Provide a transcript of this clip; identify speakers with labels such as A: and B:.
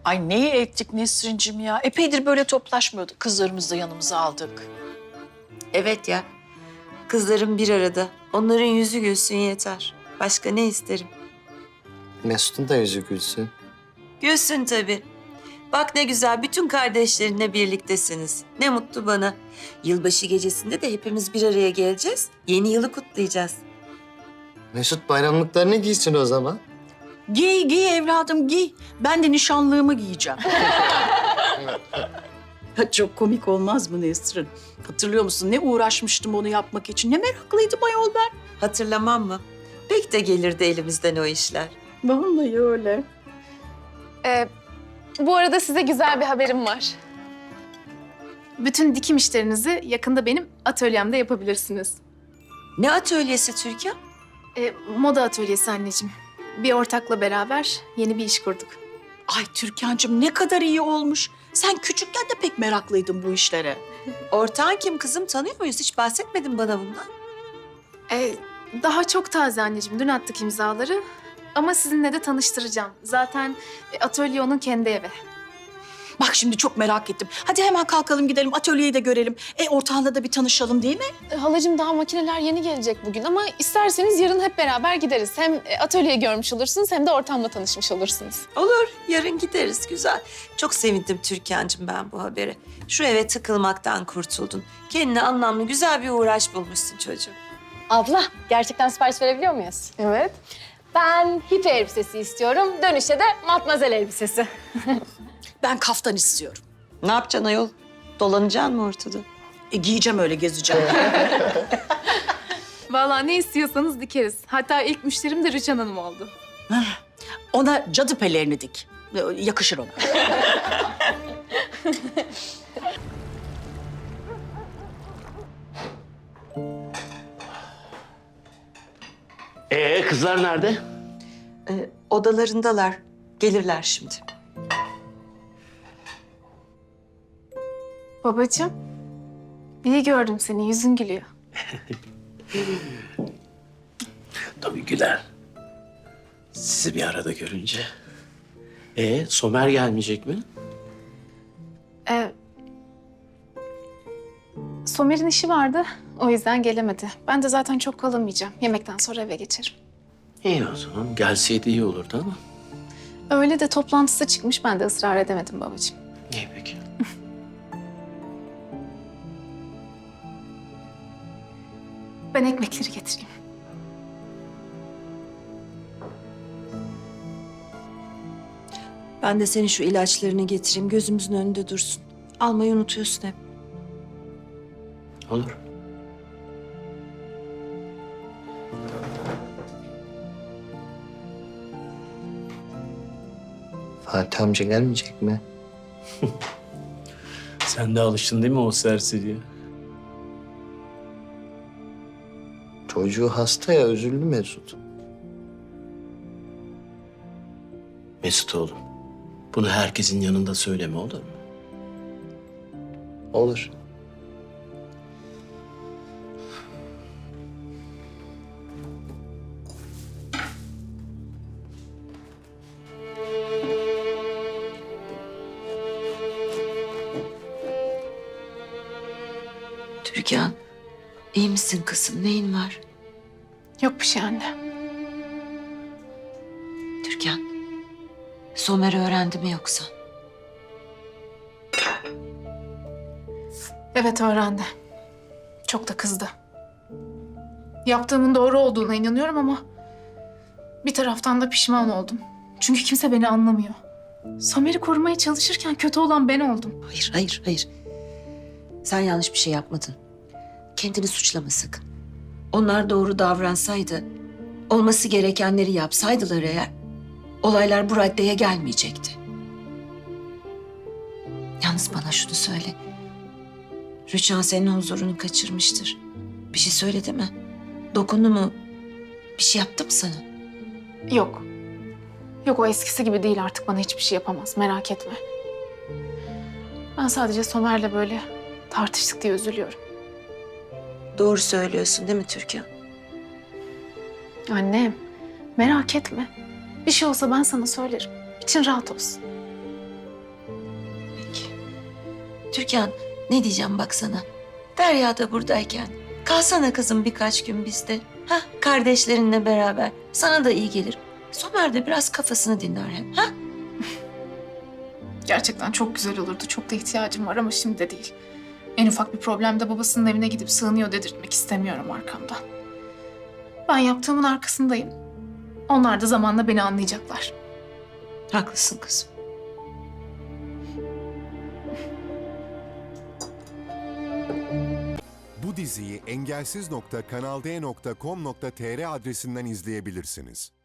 A: Ay neyi ektik Nesrin'cim ya? Epeydir böyle toplaşmıyorduk. Kızlarımızı da yanımıza aldık.
B: Evet ya. Kızlarım bir arada. Onların yüzü gülsün yeter. Başka ne isterim?
C: Mesut'un da yüzü gülsün.
B: Gülsün tabii. Bak ne güzel, bütün kardeşlerinle birliktesiniz. Ne mutlu bana. Yılbaşı gecesinde de hepimiz bir araya geleceğiz. Yeni yılı kutlayacağız.
C: Mesut bayramlıklarını giysin o zaman.
A: Giy, giy evladım giy. Ben de nişanlığımı giyeceğim. Çok komik olmaz mı Nesrin? Hatırlıyor musun? Ne uğraşmıştım onu yapmak için. Ne meraklıydım ayol ben.
B: Hatırlamam mı? Pek de gelirdi elimizden o işler.
A: Vallahi öyle.
D: Bu arada size güzel bir haberim var. Bütün dikim işlerinizi yakında benim atölyemde yapabilirsiniz.
B: Ne atölyesi Türkan?
D: Moda atölyesi anneciğim. Bir ortakla beraber yeni bir iş kurduk.
A: Ay Türkan'cığım ne kadar iyi olmuş. Sen küçükken de pek meraklıydın bu işlere.
B: Ortağın kim kızım? Tanıyor muyuz? Hiç bahsetmedin bana bundan.
D: Daha çok taze anneciğim. Dün attık imzaları. Ama sizinle de tanıştıracağım. Zaten atölye onun kendi evi.
A: Bak şimdi çok merak ettim. Hadi hemen kalkalım gidelim atölyeyi de görelim. Ortağınla da bir tanışalım değil mi?
D: Halacığım daha makineler yeni gelecek bugün ama isterseniz yarın hep beraber gideriz. Hem atölyeyi görmüş olursunuz hem de ortamla tanışmış olursunuz.
B: Olur, yarın gideriz. Güzel. Çok sevindim Türkan'cığım ben bu habere. Şu eve tıkılmaktan kurtuldun. Kendine anlamlı güzel bir uğraş bulmuşsun çocuğum.
E: Abla, gerçekten sipariş verebiliyor muyuz?
D: Evet.
E: Ben hippie elbisesi istiyorum. Dönüşte de matmazel elbisesi.
A: Ben kaftan istiyorum.
B: Ne yapacaksın ayol? Dolanacaksın mı ortada?
A: Giyeceğim öyle gezeceğim.
D: Vallahi ne istiyorsanız dikeriz. Hatta ilk müşterim de Rüçhan Hanım oldu.
A: Ona cadı pelerini dik. Yakışır ona.
F: Kızlar nerede?
B: Odalarındalar. Gelirler şimdi.
D: Babacığım, iyi gördüm seni. Yüzün gülüyor.
F: Tabii güler. Sizi bir arada görünce. Somer gelmeyecek mi?
D: Somer'in işi vardı. O yüzden gelemedi. Ben de zaten çok kalamayacağım. Yemekten sonra eve geçerim.
F: İyi o zaman. Gelseydi iyi olurdu ama.
D: Öyle de toplantısı çıkmış. Ben de ısrar edemedim babacığım.
F: İyi peki.
D: Ben ekmekleri getireyim.
B: Ben de senin şu ilaçlarını getireyim. Gözümüzün önünde dursun. Almayı unutuyorsun hep.
F: Olur.
C: Fatih amca gelmeyecek mi?
F: Sen de alıştın değil mi o serseriye?
C: Çocuğu hasta ya, üzüldü Mesut.
F: Mesut oğlum. Bunu herkesin yanında söyleme olur mu?
C: Olur.
B: Türkan, iyi misin kızım? Neyin var?
D: Yok bir şey anne.
B: Türkan, Somer öğrendi mi yoksa?
D: Evet öğrendi. Çok da kızdı. Yaptığımın doğru olduğuna inanıyorum ama bir taraftan da pişman oldum. Çünkü kimse beni anlamıyor. Somer'i korumaya çalışırken kötü olan ben oldum.
B: Hayır. Sen yanlış bir şey yapmadın. Kendini suçlama sakın. Onlar doğru davransaydı, olması gerekenleri yapsaydılar eğer, olaylar bu raddeye gelmeyecekti. Yalnız bana şunu söyle. Rüçhan senin huzurunu kaçırmıştır. Bir şey söyledi mi? Dokundu mu? Bir şey yaptı mı sana?
D: Yok. Yok o eskisi gibi değil artık bana hiçbir şey yapamaz merak etme. Ben sadece Somer'le böyle tartıştık diye üzülüyorum.
B: Doğru söylüyorsun değil mi Türkan?
D: Annem merak etme. Bir şey olsa ben sana söylerim. İçin rahat olsun.
B: Türkan, ne diyeceğim bak sana. Derya da buradayken kalsana kızım birkaç gün bizde. Ha, kardeşlerinle beraber. Sana da iyi gelir. Somer de biraz kafasını dinler hem. Ha?
D: Gerçekten çok güzel olurdu. Çok da ihtiyacım var ama şimdi de değil. En ufak bir problemde babasının evine gidip sığınıyor dedirtmek istemiyorum arkamdan. Ben yaptığımın arkasındayım. Onlar da zamanla beni anlayacaklar.
B: Haklısın kızım.
G: Bu diziyi engelsiz.kanalde.com.tr adresinden izleyebilirsiniz.